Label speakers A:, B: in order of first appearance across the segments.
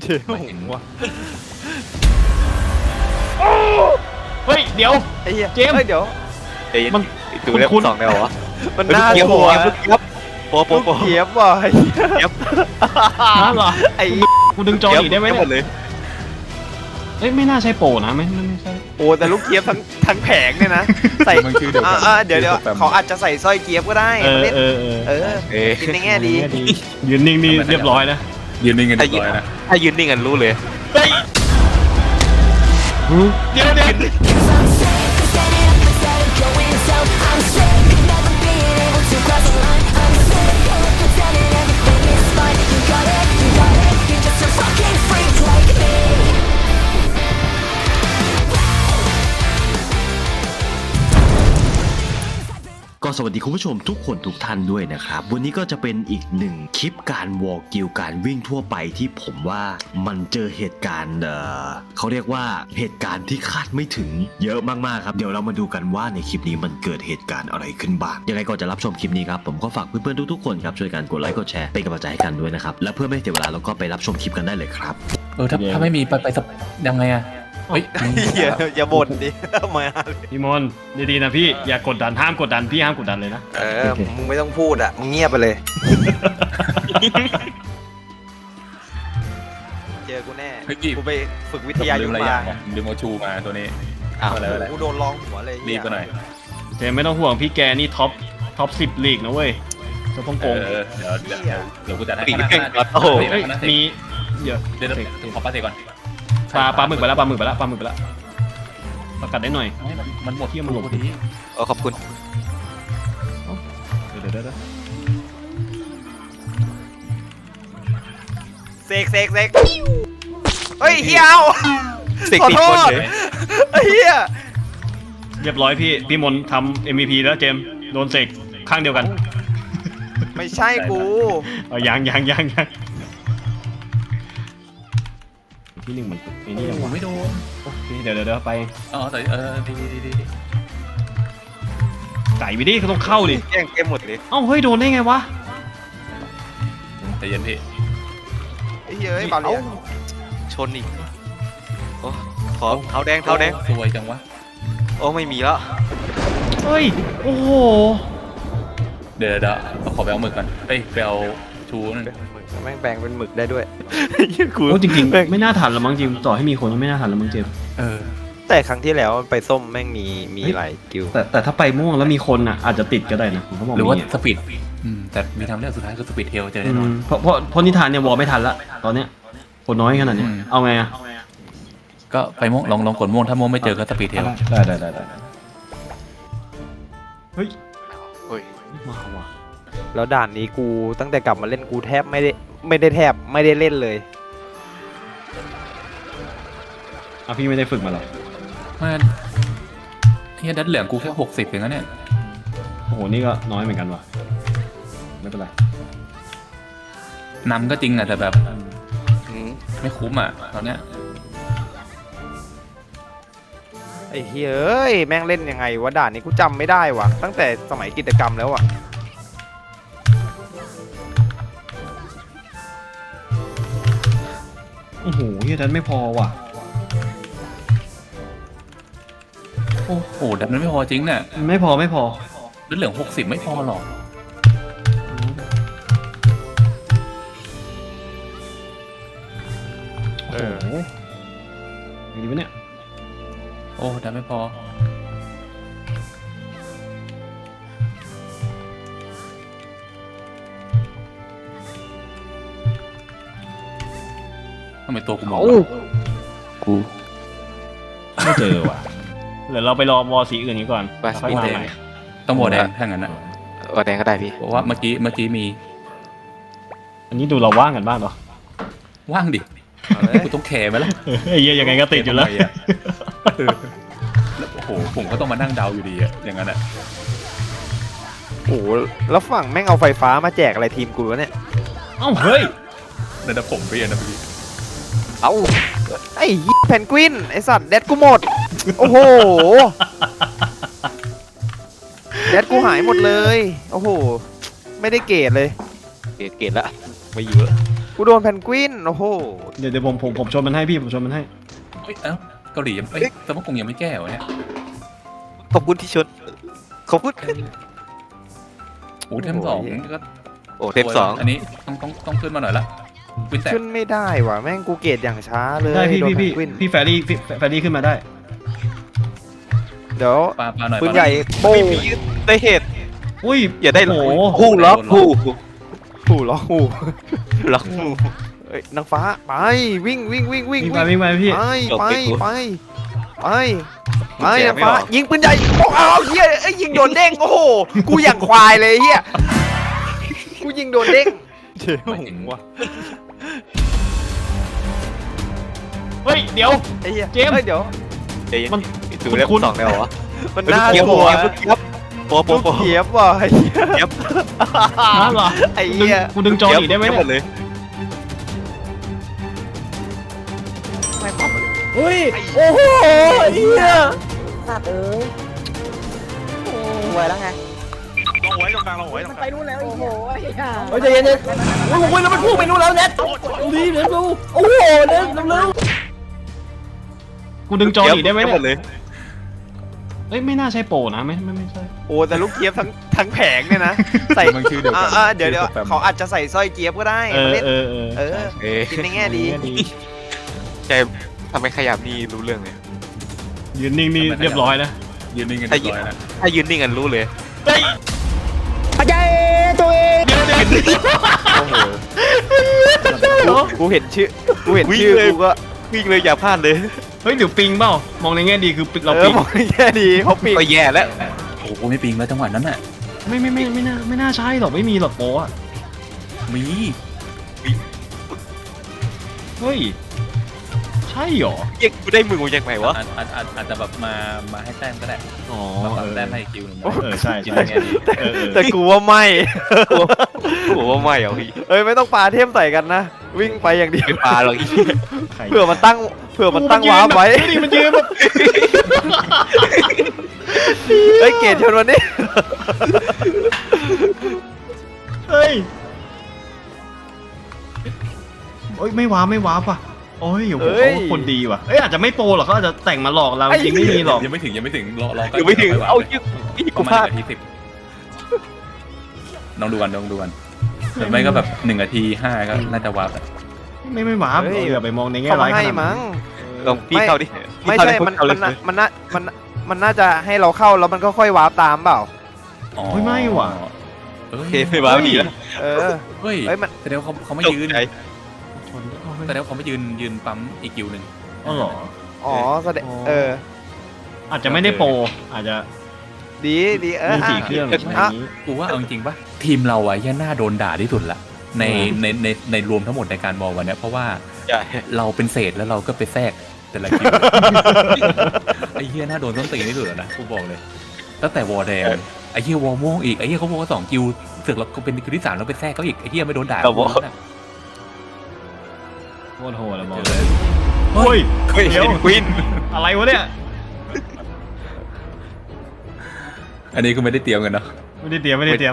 A: ไม่เห็นว่ะ
B: เฮ้ยเดี๋ยว
C: ไอ้เหี้ย
B: เจมส์
C: เดี๋ยว
B: มัน
A: ดูเล็บ
B: คุณ
A: สองได้เหรอวะ
C: มันน่ากลัว
A: โป๊ะ
C: ลู
A: โป๊ะ
C: ก
A: โป๊ะ
C: เกียบว่ะไอ้เหี้ย
B: นั่นเหรอ
C: ไอ้
B: กูดึงจออีกได้ไหม
A: หม
B: เนี่ย
A: ดเลย
B: เอ้ยไม่น่าใช่โปรนะไม่ใช่
C: โอ้แต่ลูกเกียบทั้งแผงเนี่ยนะใส่
D: มันคือเดี๋ยว
C: เดี๋ยวเขาอาจจะใส่สร้อยเกียบก็ได้
B: เออ
C: เล่น
B: เออ
C: คิดในแง่ดี
B: ยืนนิ่งนี่เรียบร้อยนะ
D: ยืนนิ่งกันเรียบร้อยนะ
A: ถ้ายืนนิ่งกันรู้เลย
B: เดี๋ยว
E: ก็สวัสดีคุณผู้ชมทุกคนทุกท่านด้วยนะครับวันนี้ก็จะเป็นอีกหนึ่งคลิปการวอล์กกิลการวิ่งทั่วไปที่ผมว่ามันเจอเหตุการณ์เขาเรียกว่าเหตุการณ์ที่คาดไม่ถึงเยอะมากๆครับเดี๋ยวเรามาดูกันว่าในคลิปนี้มันเกิดเหตุการณ์อะไรขึ้นบ้างยังไงก็จะรับชมคลิปนี้ครับผมก็ฝากเพื่อนๆทุกๆคนครับช่วยกันกดไลค์กดแชร์เป็นกำลังใจให้กันด้วยนะครับและเพื่อไม่ให้เสียเวลาเราก็ไปรับชมคลิปกันได้เลยครับ
D: ถ้าไม่มีไปยังไงอะเฮ้ย
C: อย่าบ่นดิมา
B: พี่มนดีๆนะพี่อย่ากดดันห้ามกดดันพี่ห้ามกดดันเลยนะ
C: มึงไม่ต้องพูดมึงเงียบไปเลยเจอกูแน่กูไปฝึกวิทยา
D: ลื
C: ยุ
D: ม
C: ท
D: อะไร
C: ธ์
D: อ
C: มา
D: ย่างลืมเอาชูมาตัวนี้อะไร
C: กูโดนร้องหัวเลย
D: รีบไปหน่อย
B: เจมไม่ต้องห่วงพี่แกนี่ท็อป10ลีกนะเว้ยเจ้าพงโกง
D: เดี๋ยวกูจัดให้
A: ปีก
D: ข้างห
A: แข่ง
D: น้า
A: ก่อนโอ้โห
B: เอ้ยมีเดี๋ยว
D: เดี๋ยวขอปาเตะก่อน
B: ปลาหมึกไปแล้วประกาศได้หน่อย
D: มันหมด
B: เที่ยมันหลบ
D: พอดี
A: ขอบคุณ
B: เดี๋ยว
C: เสกเฮ้ยเฮียเอา
A: เสกติดคนเลย
C: เฮีย
B: เรียบร้อยพี่มนทำ MVP แล้วเจมโดนเสกข้างเดียวกัน
C: ไม่ใช่กู
B: ยังพี่หนึ่งเหมือนไอ้นี่ยัง
D: ผมไม่โดน
B: โอเคเดี๋ยวไป
D: อ๋อแต่ดี
B: ไก่ไปดิเขาต้องเข้าดิ
C: แย่งเกมหมดเลย
B: เอ้าเฮ้ยโดนได้ไงวะ
D: ใจเย็นพี่
C: ไอ้เหี้ยบาเลีย
A: ชนอีกโอ้ขอเท้าแดง
D: สวยจังวะ
A: โอ้ไม่มีแล้ว
B: เฮ้ยโอ้โห
D: เดี๋ยวขอไปเอาหมึกก่อนเอ้ยไปเอาชูนั่น
C: แม่งแบ่งเป็นหมึกได้ด้วย
B: โอ้จริงๆไม่น่าทันละมั้งจริงต่อให้มีคนก็ไม่น่าทันละมั้งเจม
C: แต่ครั้งที่แล้วไปส้มแม่งมีหลายกิล
B: แต่ถ้าไปม่วงแล้วมีคนอ่ะอาจจะติดก็ได้นะผมก็บอก
D: หรือว่า
B: มี
D: สปีดแต่มีทางเลือกสุดท้ายคือสปีดเทลเจอแน่นอน
B: เพราะนิทานเนี่ยวอลไม่ทันละตอนเนี้ยคนน้อยขนาดเนี้ยเอาไงอ่ะ
D: ก็ไปม่วงลองกดม่วงถ้าม่วงไม่เจอก็สปีดเทล
B: ได้เฮ้ย
A: เฮ้ย
B: มาว่ะ
C: แล้วด่านนี้กูตั้งแต่กลับมาเล่นกูแทบไม่ได้เล่นเลย
B: อ่ะพี่ไม่ได้ฝึกมาหรอ
D: มันเฮียดัดเหลืองกูแค่60เองนะเนี่ย
B: โอ้โหนี่ก็น้อยเหมือนกันว่ะไม่เป็นไร
D: นำก็จริงอะแต่แบบ
A: อืม
D: ไม่คุ้มอะตอนเนี้ย
C: ไอ้เฮ้ยแม่งเล่นยังไงวะด่านนี้กูจำไม่ได้ว่ะตั้งแต่สมัยกิจกรรมแล้วอ่ะ
B: โอ้โหเฮียดันไม่พอว่ะ
D: โอ้โหดัดมันไม่พอจริงเนี่ย
B: ไม่พอ
D: ดัดเหลือง60ไม่พอหรอก
B: โอ้โหอย่างนี้ปะเนี่ย
D: โอ้ดัดไม่พอทำไมตัวกูมอง
A: กู
B: ไม่เจอว่ะเดี๋ยวเราไปรอวอลสีอื่นนี้ก่อน
A: ไปสปีดแดง
D: ต้องโบแดงถ้างั้นนะ
A: ว่าแดงก็ได้พี่
D: เพราะว่าเมื่อกี้มี
B: อันนี้ดูเราว่างกันบ้างเหรอ
D: ว่างดิกูต้องแคร์ไหมล่ะ
B: เฮ้ยยังไงก็ติดอยู่แล้ว
D: ทำไมอะแล้วโอ้โหผมก็ต้องมานั่งเดาอยู่ดีอะอย่างนั้นอะ
C: โอ้โหแล้วฝั่งแม่งเอาไฟฟ้ามาแจกอะไรทีมกูวะเนี่ย
B: เอ้าเฮ้ย
D: นั่นนะผมพี่นะพี่
C: เอ้าไอ้แพนกวินไอ้สัตว์แดดกูหมดโอ้โหแดดกูหายหมดเลยโอ้โหไม่ได้เกรดเลย
A: เกตละไม่อยู่แล้ว
C: กูโดนแพนกวินโอ้โห
B: เดี๋ยวผมชนมันให้พี่ผมชนมันให้
D: เอ้ยเอ้าเกาหลียังแต่ว่าคงยังไม่แก้วะเนี่ย
A: ขอบคุณที่ชนขอบคุณ
D: โอ้เทมสองก็
A: โอ้เทปสอง
D: อันนี้ต้องขึ้นมาหน่อยละวินแตก
C: ขึ้นไม่ได้ว่ะแม่งกูเกตอย่างช้าเลย
B: ได้พี่
C: โดน
B: พี่
C: แพนกวิน
B: พี่แฟรี่ขึ้นมาได้
C: เดี๋ยว
D: ปลาหน่อย
C: ปืนใหญ่โป้
A: ไม่
C: ง
A: มีได้เหตุ
B: อุ้ย
A: อย่าได้
B: โอ้โห
A: หูล็อกหู
C: หูล้อหู
A: ล็อกหู
C: เอ้ยนางฟ้าไปวิ่ง
B: วิ่งไปพี่
C: ไป
A: จบ
C: ไป
A: ไป
C: ไป
A: แกะ
C: นาง
A: ไม่
C: ฟ้า
A: ออก
C: ยิงปืนใหญ่โอ้เอาเฮียไอ้ยยิงโดนเด้งโอ้โหกูอย่างควายเลยเฮียกูยิงโดนเด้งเจ๋งว่ะ
B: เฮ้ยเดี๋ยว
C: ไอ้เฮีย
B: เจมส์
C: อ้ยเดี๋ยว
A: เดี๋ยว
B: มัน
A: ถือเล่ม
B: คุ้นๆ
A: สองแล้วเหรอ
C: มัน
A: ลู
C: น่าก
A: เกียบ
C: กลัว
A: ลูกเกียบโปโป
C: ลูก
A: โป
C: เกียบว่ะไอ้เหี้ย
B: ฮะเหรอ
C: ไอ้เหี้ย
B: กูดึงจอหนีได้ไหม
A: หมด
B: เนี่ย
A: เลย
C: ไม่ปรับเลย
F: เฮ้ย โอ้โหเฮียสัตว์เอ้ยหวยแล้วไง
A: ลงไว้ตรงกลางลงไว้ตรง
F: มัน
A: ก
F: ไป
A: ลาง
F: นู่นแล้วไอ้เหี้ยเฮ้ยใจเย็นๆโอ้โหแล้วมันพุ่งไปนู่นแล้วเน็ตรีบเร็วโอ้โหเน็ตเร็ว
B: กูดึงจอหนีได้ไหม
A: หม
B: เนี่ย
A: ดเลย
B: เอ้ยไม่น่าใช่โปรนะไม่ใช่
C: โอ้แต่ลูกเจี๊ยบทั้งแผงเนี่ยนะใส่
D: มันชื่อเดียวกัน
C: เดี๋ยวเขาอาจจะใส่สร้อยเจี๊ยบก็ได้
B: เออ
C: มาเล่น
B: เออ
C: เออ
A: เอ๊ะ
C: คิดในแง่ดี
A: ใจทำไมขยับนี่รู้เรื่องเลย
B: ยืนนิ่งนี่เรียบร้อยนะ
D: ยืนนิ่งกันเรียบร้อยนะ
A: ถ้ายืนนิ่งกันรู้เลย
F: อาจารย์ตัวเอง
C: โอ้โหกูเห็นชื่อกูก็
A: วิ่งเลยอย่าพลาดเลย
B: เฮ้ยเดี๋ยวปิงเปล่ามองในแง่ดีคือเรา
C: เออ
B: ปิง
C: มองในแง่ดีเขาปีก
A: ก็แย่แล้ว
D: โอ้โหไม่ปิงแล้วจังหวะนั้นน่ะ
B: ไม่น่าใช่หรอกไม่มีหรอกโปรอะ
D: มี
B: เฮ้ยใช่หรอ
A: เยังกูได้มือมาจากไหนวะ
D: อาจจะแบบมาให้แต้มก็ได้
B: อ๋อ
D: มาฟัง
B: เออ
D: แต้มให้อีกคิวหนึง
B: ใช่
D: คิด
B: ใช่
D: ว่าไงดี
C: แต่กูว่าไม่
A: กูว่าไม่เอาพี่
C: เอ้ยไม่ต้องปาเทมใส่กันนะ วิ่งไปอย่างเดียว
A: ไม่ปลาหรอกอี
B: ใคร
C: เผื่อมันตั้งวาร์ปไว้
B: ดูดิมันยืนแบบ
C: เฮ้ยเกตชนวันนี้
B: เฮ้ยโอ้ยไม่ว้าป่ะโอ้ยโอ้โหคนดีว่ะเอ้ยอาจจะไม่โปรหรอกเขาอาจจะแต่งมาหลอกเราจริงไม่มีหรอก
D: ยังไม่ถึงรอ
A: ยังไม่ถึงเอายิ่ง
D: ป
A: กู
D: ระ
A: พ
D: มา
A: ลา
D: ณ
A: ด
D: 1 นาที 10ลองดูกันหรือไม่ก็แบบ1 นาที 5ก็น่าจะวาร์ป
B: ไม่ว้า
C: เฮ้ย
B: อย่าไปมองในแง่
C: เขา
B: ร้า
C: มาย ให้
B: ขนาดนั้น
C: มั้ง
A: ลองพี่เข้าดิ
C: ไม่ใช่มันน่าจะให้เราเข้าแล้วมันก็ค่อยวาร์ปตามเปล่า
D: อ๋อ
B: เฮ้ยไม่ว่ะ
D: เอ้
A: โอย เคไม่บ้าดีแล้ว
C: เออ
D: เฮ้ย
C: เฮ้ยมัน
D: แสดงว่าเขาไม่
A: ตก
D: ยืน
A: ใจ
D: แสดงว่าเขาไม่ยืนปั๊มอีกคิวหนึ่ง
B: อ๋อเหรอ
C: อ๋อแสดง
B: อ๋อ
C: เออ
B: อาจจะไม่ได้โปรอาจจะ
C: ดีเออ
B: มีสี่เครื่องอะไรอย่างนี้
D: กูว่าเอาจริงๆปะทีมเราอะยังน่าโดนด่าที่สุดละในรวมทั้งหมดในการมองวันเนี้ยเพราะว่า
A: ใช่
D: เราเป็นเศษแล้วเราก็ไปแทรกแต่ละคิว ไอ้เหี้ยน่าโดนต้นตีนที่สุดแล้วนะกูบอกเลยตั้งแต่วอร์แดงไอ้เหี้ยวอร์ม่วงอีกไอ้เหี้ยเขาบอกว่า2 คิวเสือกเราก็เป็นคิวที่ 3แล้วไปแทรกเขาอีกไอ้เหี้ยไม่โดนด่า
A: เราบอก
B: โคตรโหดเลยมอง
D: เจอเลย
B: เฮ้ย
A: เฮ้ย
B: เดี๋ยว
A: ควิน
B: อะไรวะเนี่ย
D: อันนี้ก็ไม่ได้เตรียมกันเนาะ
B: ไม่ได้เตรียม
A: ไม่เตรียม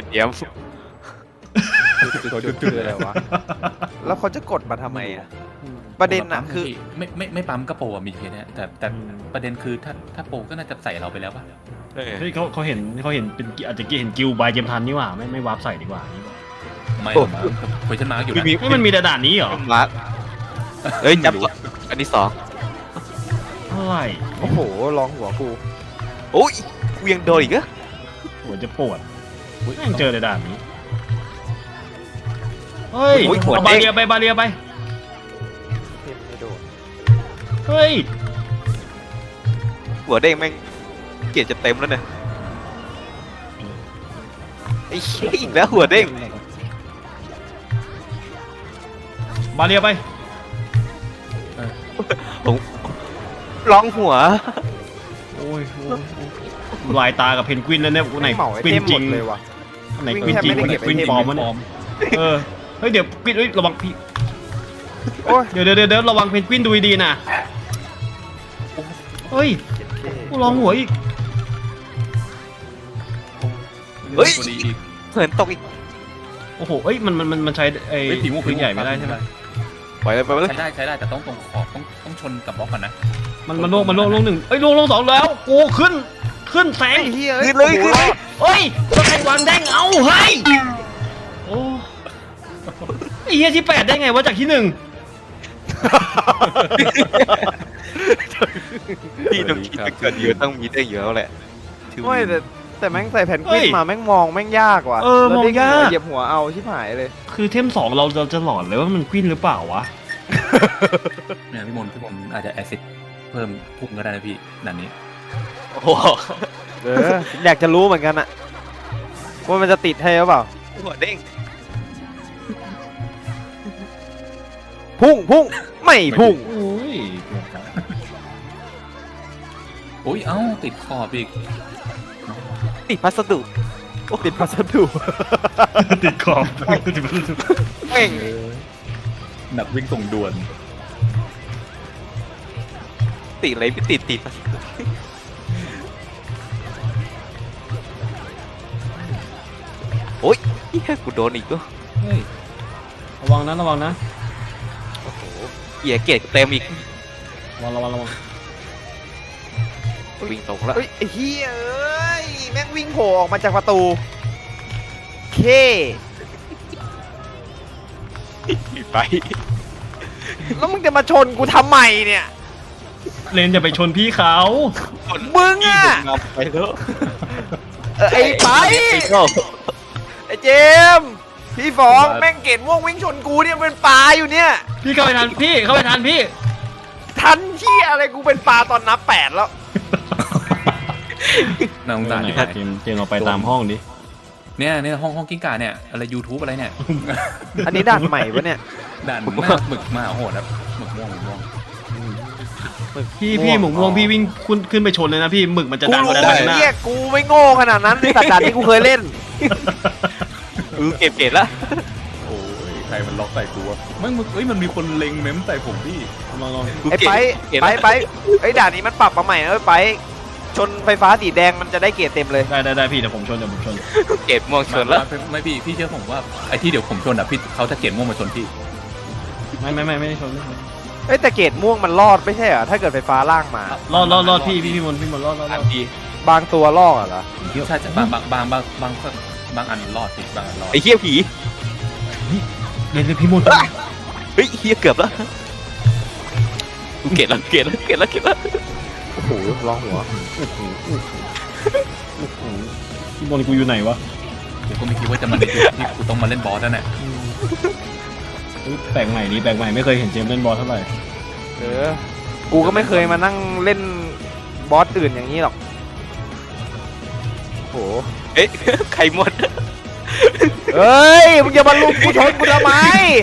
C: คืออะไรวะแล้วเขาจะกดมาทำไมอ่ะประเด็นน่ะคือ
D: ไม่ปั๊มกระโปรงอะมีเคสเนี่ยแต่ประเด็นคือถ้าโปรก็น่าจะใส่เราไปแล้วป่ะ
B: เฮ้ยเขาเห็นเป็นอาจจะเห็นกิลบายเจมทันนี่หว่าไม่วาร์ปใส่ดีกว่า
D: ไม่มาเควชั่นมาร์กอยู่
A: ไม่
D: นะ
A: มี
B: เฮ้ยมันมีแต่ด่านนี้เหรอ
A: มาร์คเฮ้ยจับอันที่สอง
B: อะไร
C: โอ้โหลองหัวกู
A: โอ้ยกูยังโดนอีกเหรอ
B: หัวจะปวดแม่งเจอแต่ด่านนี้เฮ้ยเอาบาเรียไป
C: เทมไม่โดน
B: เฮ้ย
A: หัวเด้งแม่งเกลียดจะเต็มแล้วเนี่ยไอ้เหี้ยอีกแล้วหัวเด้ง
B: บาเรียไป
A: ร้องหัว
B: โอ้ยลายตากับเพนกวินแล้วเนี่ยไหน
C: เหมาไอ
B: ควิ
C: เท
B: น
C: ม
B: จ
C: ห
B: ริ
C: ม
B: ง
C: ดเลยว่ะ
B: ไหนควินจริง
C: วิ่ง
B: ไหน
C: แทบไม่ได้เก็บ
B: ควิน
C: ไอเทม
B: ปลอมวะเนี่ยเออเฮ้ยเดี๋ยวควินระวังพี่
C: โอ้ย
B: เดี๋ยวระวังเพนกวินดูดีๆนะเฮ้ยกูลองหัวอีก
A: เฮ้ย
D: ตัวดีอีก
A: เหินตกอีก
B: โโอ้โหเอ้ยมันใช้ไอ้
D: เฮ้ยผีมุก
B: ปืนใหญ่ไม่ได้ใช่ไหม
C: ปล่อยเลยไปเลย
D: ใช้ได้แต่ต้องตรงขอบต้องชนกับบล็อกก่อนนะ
B: มันโล่งหนึ่งเอ้ยโล่งสองแล้วกูขึ้นแสง
C: ไอ้เหี้ยขึ้นเลยขึ้นเลย
B: เฮ้ยแล้วใครวางแดงเอาเฮ้ยโอ้ไอ้เหี้ยที่8ได้ไงวะจากที่1
A: พี่ต้องคิดจะเกิดเยอะต้องมีได้เยอะแหละ
C: ไม่แต่แม่งใส่แผ่นกวินมาแม่งมองแม่งยากว่ะ
B: มองยาก
C: เหยียบหัวเอาชิบหายเลย
B: คือเทม2เราจะหลอนเลยว่ามันกวินหรือเปล่าวะ
D: เนี่ยพี่มนอาจจะแอซิดเพิ่มพุ่งก็ได้นะพี่ด่านนี้
A: โอ้โห
C: อยากจะรู้เหมือนกันอะว่ามันจะติดให้หรือเปล่า
A: หัวเด้ง
C: พุ่งไม่พุ่ง
B: โอ้ย
D: โอ้ยเอ้าติดขอบอีก
A: ติดพัสดุ
C: ติดพัสดุ
B: ติดขอบ
C: เม่ง
D: หนักวิ่งส่งด่วน
A: ติดอะไรไม่ติดพัสดุโอ๊ยเหี้ยกูโดนอีกก็
B: เฮ้ยระวังนะ
A: เหี้ยเกรดเต็มอีก
B: ระวัง
A: วิ่งตรงแล้ว
C: เฮ้ยไอ้เหี้ยเอ้ยแม่งวิ่งโผล่ออกมาจากประตูเค
A: ไป
C: แล้วมึงจะมาชนกูทำไมเนี่ย
B: เลนอย่าไปชนพี่เขา
C: มึงอะ
A: นำไปแล้ว
C: ไอ้ไป
A: ก็
C: ไอ้เจมส์พี่ฟองแม่งเกตม่วงวิ่งชนกูเนี่ยเป็นปลาอยู่เนี่ย
B: พี่เข้าไปทันพี่
C: ทันเหี้ยอะไรกูเป็นปลาตอนนับ8แล้ว
D: น่าสงสารดิ
B: เจมออกไปตามห้องดิ
D: เนี่ยห้องกิ้งก่าเนี่ยอะไร YouTube อะไรเนี่ย
C: อันนี้ด่านใหม่ปะเนี่ย
D: ด่านหมึกมาโหดครับหมึกม่วง
B: พี่หมูม่วงพี่วิ่งขึ้นไปชนเลยนะพี่หมึกมันจะ
C: กู
B: ดัง
C: รู้
B: กว่า
C: ไอ้
B: ด้านหน้า
C: เหี้ยกูไม่โง่ขนาดนั้นในสัปดาห์นี้กูเคยเล่น
A: เก็บแล้ว
D: โอ้ยใครมันล็อกใส่กูวะมันมีคนเล็งเม้มใส่ผมพี่
B: ลอง
C: ไอ้ไปไอ้ด่านนี้มันปรับมาใหม่นะไอ้ไปชนไฟฟ้าสีแดงมันจะได้เกรดเต็มเลย
B: ได้พี่เดี๋ยวผมชน
A: เก็บม่วงชนแล้ว
D: ไม่พี่เชื่อผมว่าไอ้ที่เดี๋ยวผมชนอ่ะพี่เขาจะเก็บม่วงมาชนพี่
B: ไม่ได้ชน
C: เอ้ยแต่เกรดม่วงมันรอดไม่ใช่เหรอถ้าเกิดไฟฟ้าล่างมาร
B: อดพี่มนรอด
A: อันดี
C: บางตัวรอดเหรอ
D: ใช่บางอันรอดพี่บางอันรอด
A: ไอ้เหี้ยผี
B: เลนพี่มน
A: เฮ้ยเหี้ยเกือบแล้วกูเก็บแล้ว
C: โอ้โหลองหัว
B: พี่มนกูอยู่ไหนวะ
D: กูก็ไม่คิดว่าจะมาในจุดที่กูต้องมาเล่นบอสนั่นแหละ
B: แปลกใหม่ไม่เคยเห็นเจมเล่นบอลเท่าไหร่
C: กูก็ไม่เคยมานั่งเล่นบอสอื่นอย่างนี้หรอกโอ้โห
A: เอ๊ะใครหมด
C: เฮ้ยมึงอย่ามาลุมกูชนกูทำไม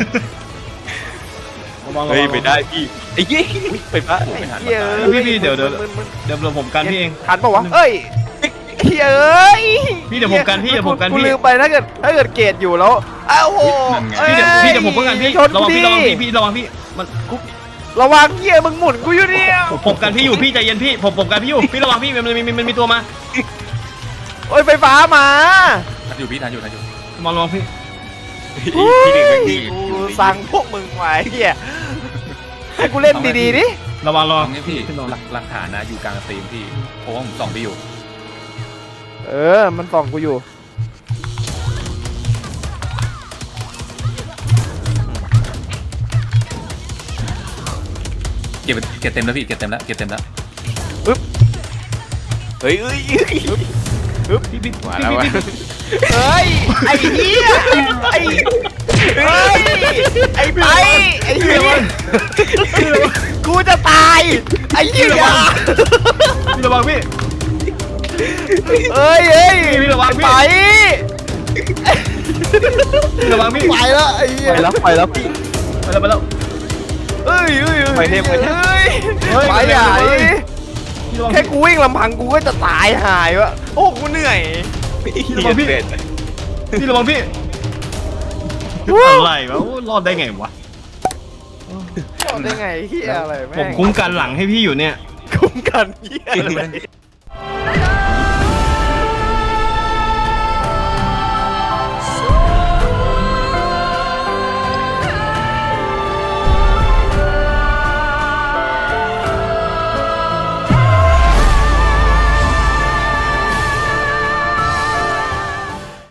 A: เฮ้ยไม่ได้พี่ไอ้เหี้ยไปปะ
D: กูไม่ทัน
C: เหี้ย
B: พี่เดี๋ยวผมกันพี่เอง
C: ทันปะวะเอ้ยเฮ้ยเอ้ย
B: พี่เดี๋ยวผมกันพี่
C: กูลืมไปถ้าเกิดเกรดอยู่แล้วอ้าวโห
B: พี่เดี๋ยวผมกันพี่
C: ชน
B: ระ
C: กู
B: วัง
C: ดิ
B: พี่ระวังพี่มัน
C: ระวังเหี้ยมึงหมุนกูอยู่เนี่ย
B: ผมกันพี่อยู่พี่ใจเย็นพี่ผมกันพี่อยู่พี่ระวังพี่มันมีตัวมา
C: โอ้ยไฟฟ้ามา
D: ทันอยู่พี่ทันอยู่
B: มองระวังพี่
A: พี่หนึ่งพี่
C: กูสั่งพวกมึงไว้เหี้ยให้กูเล่นดีๆดิ
B: ระวัง
D: ตรงนี้พี่หลักฐานนะอยู่กลางสตรีมพี่เพราะว่าผมส่องพี่อยู่
C: มันส่องกูอยู่
D: เก็บเต็มแล้วพี่เก็บเต็มแล้ว
A: เฮ้ย
B: พี่
A: มาแล้ววะ
C: เฮ้ย ไอ้เหี้ยไอ้เฮ้ย ไอ้ไปไอ้เหี้ยกูจะตาย ไอ้เหี้ย
B: พี่ระวังพี่
C: เฮ้ย
B: พี่ระวังพี่
C: ไป
B: พี่ระวังพี่
C: ไปแล้วไอ้เหี้ยไปแล้ว
B: ไปแล้ว
C: เฮ้ย
A: ไปเทพ
C: ไปใหญ่
B: พี่ระวัง
C: แค่กูวิ่งลำพังกูก็จะตายหายวะโอ้กูเหนื่อย
B: พี่ระวังพี่อะไรวะรอดได้ไงวะ
C: ได้ไงเหี้ยอะไรแม่
B: ผม
C: ง
B: คุ้มกันหลังให้พี่อยู่เนี่ย
C: คุ้มกันเหี้ยอะไร